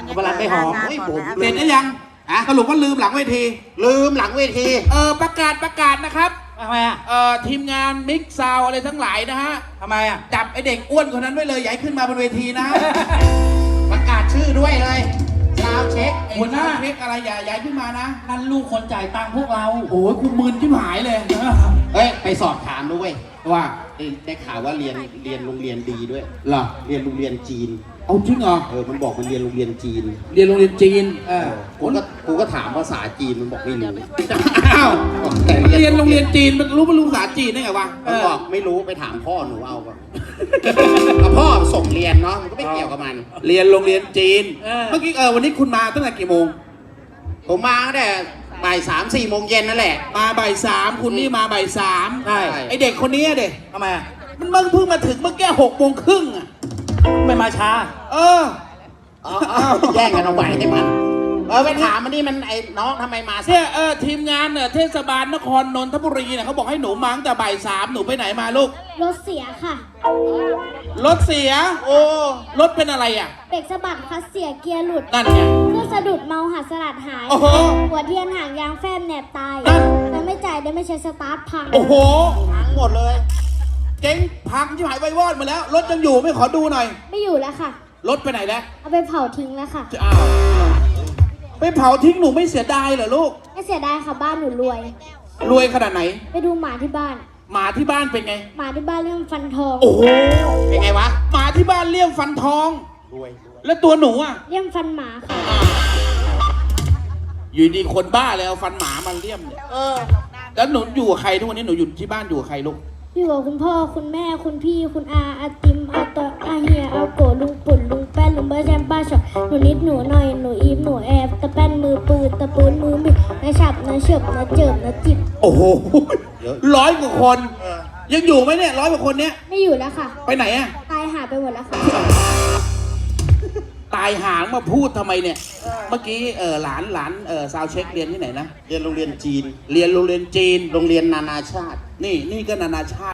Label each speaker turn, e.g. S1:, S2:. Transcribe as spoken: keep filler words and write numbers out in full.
S1: พลันไม่หอม
S2: เฮ้ยผม
S3: เสร็จหรือยังอะสรุปว่าลืมหลังเวที
S2: ลืมหลังเวที
S3: เออประกาศประกาศนะครับ
S1: ทำไมอ่ะ
S3: เอ่อทีมงานมิกซาวอะไรทั้งหลายนะฮะ
S1: ทำไมอ่ะ
S3: จับไอเด็กอ้วนคนนั้นไว้เลยอย่าให้ขึ้นมาบนเวทีนะฮะ
S2: ประกาศชื่อด้วยเลยซาวเช็ค
S3: หัวหน้าเช็คอะไรอย่าอย่าให้ขึ้นมานะ
S1: นั่นลูกคนจ่ายตังค์พวกเรา
S3: โอ้ยคุณมึนชิบหายเลย
S2: เฮ้ยไปสอบถามด้วย
S3: ว่า
S2: ได้ได้ข่าวว่าเรียนเรียนโรงเรียนดีด้วย
S3: เหรอ
S2: เรียนโรงเรียนจีน
S3: เอาจริงเหรอ
S2: เออมันบอกมันเรียนโรงเรียนจีน
S3: เรียนโรงเรียนจีนเออ
S2: กูก็กูก็ถามภาษาจีนมันบอกไม่รู้
S3: อ้าว
S2: แต่
S3: เรียนโรงเรียนจีนมันรู้มันรู้ภาษาจีนได้ไงวะ
S2: มันบอกไม่รู้ไปถามพ่อหนูเอาก่อนเอาพ่อส่งเรียนเนาะมันก็ไม่เกี่ยวกับมัน
S3: เรียนโรงเรียนจีน
S1: เออ
S3: เมื่อกี้เออวันนี้คุณมาตั้งแต่กี่โมง
S2: ผมมาตั้งแต่บ่ายสามสี่โมงเย็นนั่นแหละ
S3: มาบ่ายสามคุณนี่มาบ่ายสาม
S1: ใช่
S3: ไอเด็กคนนี้อะเด็ก
S1: ทำไมอ่ะ
S3: มันเพิ่งมาถึงเมื่อกี้หกโมงครึ่งอ่ะ
S1: ไม่มาช้า
S3: เออ
S2: เอาเอาแย่งกันเอาไว้ให้มัน เออไปถามมันนี่มันไอ้น้องทำไมมาสาย
S3: เนี่ยเออทีมงานเนี่ยเทศบาลนครนนทบุรีเนี่ยเขาบอกให้หนูมาตั้งแต่บ่ายสามหนูไปไหนมาลูก
S4: รถเสียค่ะ
S3: รถเสีย โอ้รถเป็นอะไรอ่ะ
S4: เบรกสะบัดคัสเสียเกียร์หลุด
S3: นั่นไง
S4: เครื่องสะดุดเมาหัดสลัดหาย
S3: โอ้โห
S4: หัวเทียนหางยางแฟบแหนบตาย
S3: นั่น
S4: แต่ไม่จ่ายได้ไม่ใช้สตาร์ทพัง
S3: โอ้โห
S2: ทั้งหมดเลย
S3: เจ๊งพังที่หายไววอดหมาแล้ว รถยังอยู่ไม่ขอดูหน่อย
S4: ไม่อยู่แล้วค่ะ
S3: รถไปไหนแล้ว
S4: เอาไปเผาทิ้งแล้วค่ะ
S3: อ้าวไปเผาทิ้งหนูไม่เสียดายเหรอลูก
S4: ไม่เสียดายค่ะบ้านหนูรวย
S3: รวยขนาดไหน
S4: ไปดูหมาที่บ้าน
S3: หมาที่บ้านเป็นไง
S4: หมาที่บ้านเรื่องฟันทอง
S3: โอ้โห
S2: เป็นไงวะ
S3: หมาที่บ้านเลี้ยงฟันทอง
S2: รวยรวย
S3: แล้วตัวหนูอ่ะ
S4: เรื่องฟันหมาค่ะ
S3: อยู่ดีคนบ้าเลยเอาฟันหมามาเลี่ยมเนี่ย
S2: เออ
S3: แล้วหนูอยู่กับใครทุกวันนี้หนูอยู่ที่บ้านอยู่กับใครลูก
S4: อยู่กับคุณพ่อคุณแม่คุณพี่คุณอาอาติมอาตออาเฮียอาโกลุงปุ่นลุงแป้นลุงเบอร์แจมป้าชอบหนูนิดหนูหน่อยหนูอีฟหนูแอบตะแป้นมือปืนตะปืนมือบิดนะฉับนะเฉิบนะเจิบนะจิบ
S3: โอ้โห
S2: เยอะ
S3: ร้อยกว่าคน
S2: เออ
S3: ยังอยู่ไหมเนี่ยร้อยกว่าคนเนี้ย
S4: ไม่อยู่แล้วค่ะ
S3: ไปไหนอะ
S4: ตายหาไปหมดแล้วค่ะ
S3: ตายหางมาพูดทำไมเนี่ย เมื่อกี้เออหลานหลานเออซาวเช็คเรียนที่ไหนนะ
S2: เรียนโรงเรียนจีน
S3: เรียนโรงเรียนจีน
S2: โรงเรียนนานาชาติ
S3: นี่นี่ก็นานาชาติ